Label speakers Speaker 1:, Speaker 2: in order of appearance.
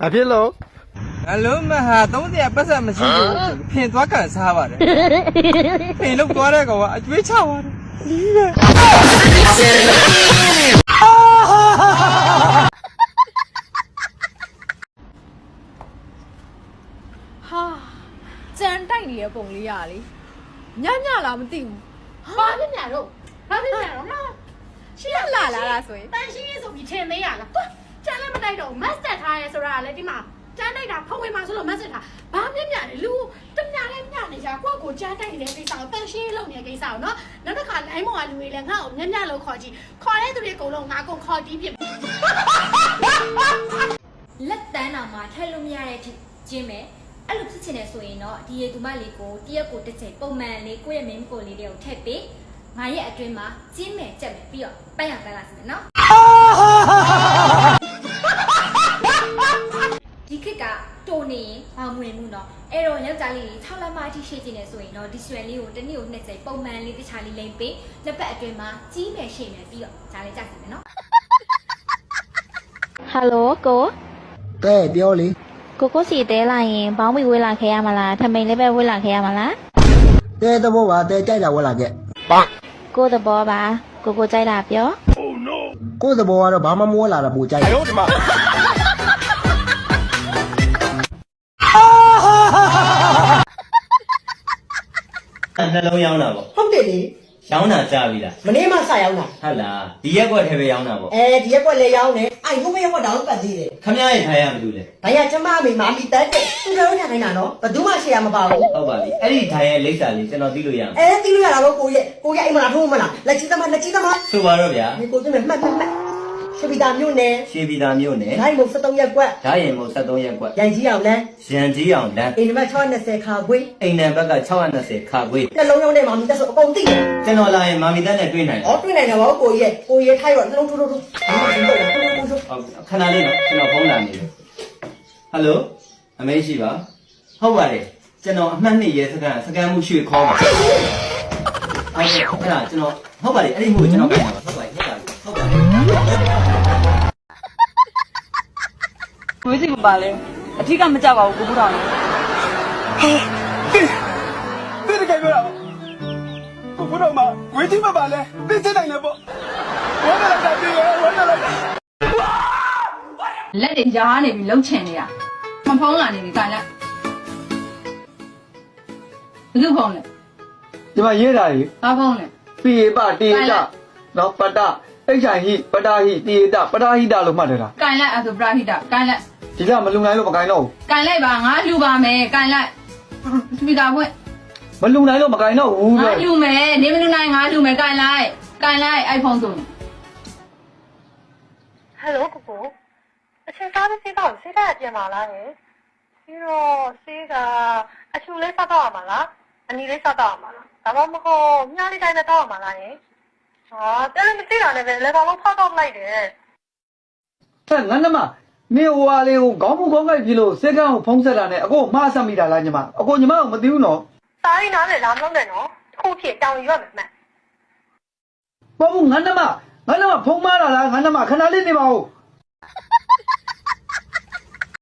Speaker 1: ဘာဖြစ်လို့
Speaker 2: အလုံးမဟာ30ပတ်စံမရှိဘူးဖင်သွားကန်စားပါတယ်ဖင်လောက်သွားတဲ့ကောင်ကအကျွေးချပါတယ်ဒီပဲ
Speaker 3: ဟာကြမ်းတိုက်နေတဲ့ပုံလေးရလေညညလားမသိဘူး
Speaker 4: ဘာဖြစ်ညာတော့ဘာဖြစ်ညာတော့မရှင်းလာ
Speaker 3: လာတာဆိုရင်
Speaker 4: တန်ရှင်းရေးဆိုပြီးထင်သေးရလားကွာကျန်လည်းမတိုက်တော့မတ်တက်ထားရဲဆိုတာလည်းဒီမှာကျန်တိုက်တာဖုံးဝင်မှာဆိုလို့မတ်တက်ထားဘာမြင်ညာလဲလူတမညာလည်းညနေကြကိုယ့်ကိုကျန်တိုက်နေတဲ့ကိစ္စကိုတန်ရှင်းရေးလုပ်နေတဲ့ကိစ္စကိုနော်နောက်တစ်ခါလိုင်းမောင်ကလူတွေလည်းငါ့ကိုညညလို့ခေါ်ကြည့်ခေါ်တဲ့သူတွေအကုန်လုံးငါကုန်ခေါ်တီးပြလက်တန်းတော်မှာထည့်လို့မရတဲ့အထိကျင်းမယ်အဲ့လိုဖြစ်ချင်တယ်ဆိုရင်တော့ဒီရေသူမလေးကိုတရက်ကိုတစ်ချိန်ပုံမှန်လေးကိုယ့်ရဲ့မင်းကိုလေးတွေကိုထည့်ပေးငါရဲ့အတွင်းမှာကျင်းမယ်ကြက်မယ်ပြီးတော့ပတ်ရပတ်လာစမယ်နော်ဒီခက်ကတိုနေရင်ဘာမှဝင်မှုတော့အဲ့တော့ယောက်ျားလေးတွေ6လမှအထိရှိကျင်နေဆိုရင်တော့ဒီဆွဲလေးကိုတစ်နေ့ကို2ချိန်ပုံမှန်လေးတခြားလေးလိမ့်ပေးလက်ပတ်အတွင်းမှာကြီးမယ်ရှိမယ်ပြီးတော့ဂျားလေးကြက်စမယ်နော်
Speaker 5: ဟယ်လိုကို
Speaker 1: တဲ့ပြောလေ
Speaker 5: ကိုစီတဲလာရင်ဘောင်းမီဝေးလာခဲ့ရမလားထမိန်လေးပဲဝေးလာခဲ့ရမလား
Speaker 1: တဲ့သဘောပါတဲ့ကြိုက်တာဝက်လာခဲ့
Speaker 5: ကိုသဘောပါကိုကြိုက်တာပြော
Speaker 1: ကိုယ့်သဘောကတော့ဘာမှမဝက်လာတာပူကြိုက်တယ်
Speaker 6: နှလုံးရောင်းတာပေါ့
Speaker 7: ဟုတ်တယ်လေ
Speaker 6: ရောင်းတာကြားပြီလား
Speaker 7: မနေ့မှစရောက်တာ
Speaker 6: ဟုတ်လားဒီရက်ကွက်ထဲပဲရောင်းတာပေါ့
Speaker 7: အဲဒီရက်ကွက်လည်းရောက်နေအဲ့ဘုမရက်ကွက်တောင်ပတ်သေးတယ်
Speaker 6: ခမရရဲ့ထိုင်ရမလို့လေ
Speaker 7: ဒါရကျမမေမာမီတက်တဲ့သူတို့ထိုင်နေတာနော်ဘယ်သူမှရှေ့ရမပါဘူး
Speaker 6: ဟုတ်ပါပြီအဲ့ဒီထိုင်ရဲ့လိပ်စာလေးကျွန်တော်သိလို့ရအောင်
Speaker 7: တီးလို့ရတာတော့ကိုရဲ့အိမ်မလားထိုးမလားလက်ကြီးသမား
Speaker 6: ဆိုပါတော့ဗျာ
Speaker 7: ဒီကိုကျမမှတ်ရှပီတာမြို့နယ်
Speaker 6: ရှေးပြည်သားမျိုးနဲ့
Speaker 7: ဒိုင်းမုံ73ရက်ကွက်
Speaker 6: ဓာရင်မို့73ရက်ကွက်
Speaker 7: ရန်ကြီးအောင်လမ်း
Speaker 6: ရန်ကြီးအောင်လမ်း
Speaker 7: အိမ်နံပါတ်620ခါခွေး
Speaker 6: အိမ်နံဘက်က620ခါခွေး
Speaker 7: နှလုံးရောက်တဲ့မာမီတက်ဆိုအကုန်သိတယ်
Speaker 6: ကျွန်တော်လာရင်မာမီတက်နဲ့တွေ့နိုင်တယ်
Speaker 7: ဩတွေ့နိုင်တယ်ဗောကိုရဲ့ထိုက်တော့နှလုံးထိုးဟုတ်
Speaker 6: ခဏလေးနော်ကျွန်တော်ဖုန်းလာနေတယ်ဟယ်လိုအမေရှိပါဟုတ်ပါတယ်ကျွန်တော်အမှတ်2ရဲစကန်မှုရွှေခေါ်ပါဟုတ်ကဲ့အဲ့ဒါကျွန်တော်ဟုတ်ပါတယ်အဲ့ဒီမှုကိုကျွန်တော်ပြန်ပါဟုတ်ပါတယ်ဟုတ်ပါတယ်
Speaker 8: ဝေးစီမပါလဲအထီးကမကြပါဘူးကိုကူတော်နေ
Speaker 2: တိတကယ်ပြောတာကိုဘုတော်မှာဝေးတိမပါလဲသိစနိုင်လဲပေါ့ဝမ်းလာတာတည်းဝမ်းလာတာ
Speaker 8: လက်တွေရားနေပြီလှုပ်ချင်နေတာမဖုံးလာနေပြီခိုင်လိုက်ဘယ်သူဖုံးလဲ
Speaker 2: ဒီမှာရေးတာကြီး
Speaker 8: ဘာဖုံးလဲ
Speaker 2: ပိယပတေတနော်ပတအိဋ္ဌာဟိပတာဟိတေတပတာဟိတလို့မှတ်တယ်လား
Speaker 8: ကိုင်လိုက်အဲ့ဆိုပရာဟိတကိုင်လိုက်
Speaker 2: ဒီကမလုံနိုင်လို့မကိုင်းတော့ဘူး
Speaker 8: ကိုင်လိုက်ပါငါလူပါမယ်ကိုင်လိုက်စပီကာဖွင့်
Speaker 2: မလုံနိုင်လို့မကိုင်းတော့ဘူး
Speaker 8: ငါလူမယ်နေမလူနိုင်ငါလူမယ်ကိုင်လိုက်အိုက်ဖုန်းဆို
Speaker 4: ဟယ်လိုကိုအချင်းစားပြီးစေးတော့စေးတဲ့ပြန်ပါလားဟဲ့ပြီးတော့စေးကအချူလေးစားတော့မှာလားအနီလေးစားတော့မှာလားဒါမှမဟုတ်မြားလေးတိုင်းနဲ့တော့မှာလားဟဲ့ဟာတယ်လည်းမသိတာနဲ့ပဲလေကောင်လုံးဖောက်တော့လိုက်တယ်
Speaker 2: ဟဲ့ငါနမမင်းဟိုဟာလေးကိုခေါင်းမူခေါင်းကိုက်ပြီလို့စက်ကန်းကိုဖုံးဆက်တာနဲ့အကိုမှားဆက်မိတာလားညီမအကိုညီမကမသိဘူးနော်
Speaker 4: စားရင်းနားနဲ့လာမလို့နဲ့နော်ခုဖြစ်တောင်းရွက်မယ်မှန်
Speaker 2: ဘာဘူးငါနမဖုံးမားတာလားငါနမခဏလေးနေပါဦး